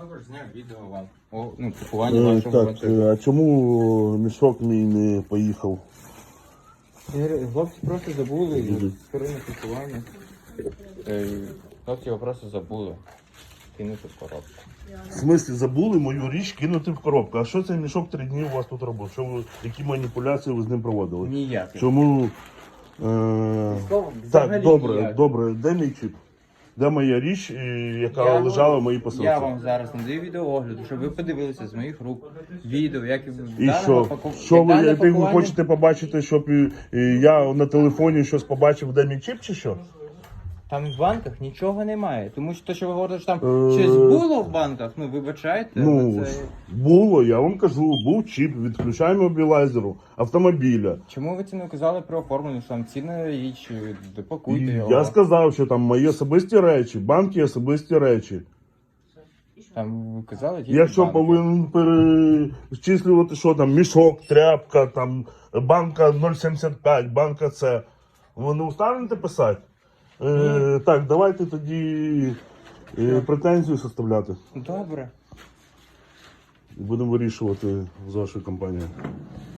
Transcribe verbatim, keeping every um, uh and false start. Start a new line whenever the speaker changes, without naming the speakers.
Також зняв відео вам. О, ну, пакування
Е,
вашого
так,
вантажу.
е, а чому мішок мій не поїхав?
Хлопці просто забули
Мгм.
сторони пакування. Е, Хлопці його просто забули. Кинути в коробку.
В смислі, забули мою річ кинути в коробку. А що цей мішок три дні у вас тут робив? Що ви, які маніпуляції ви з ним проводили?
Ніяких.
Чому? Е...
Військово-
Так,
взагалі
добре,
ніяких.
добре. Де мій чіп? Де моя річ, е, яка
Я
лежала
говорю,
в моїй посилці?
Я вам зараз надаю відеоогляду, щоб ви подивилися з моїх рук відео, як
І що? Що ви, як ви хочете побачити, щоб е, е, я на телефоні щось побачив, де мій чіп чи що?
Там в банках нічого немає. Тому що те, що ви говорите, що там
Е,
щось було в банках, ну вибачайте,
Ну,
але це...
було, я вам кажу, був чіп, відключаємо мобілайзеру автомобіля.
Чому ви це не казали про оформлення, що там цінна річ, допакуйте
І
його.
я сказав, що там мої особисті речі, банки особисті речі.
Там ви казали тільки
Якщо
банки.
повинен перечислювати, що там мішок, тряпка, там банка нуль сімдесят п'ять, банка це. Ви не устанете писати? Е, так, давайте тоді е, претензію составляти.
Добре.
І будемо вирішувати з вашою компанією.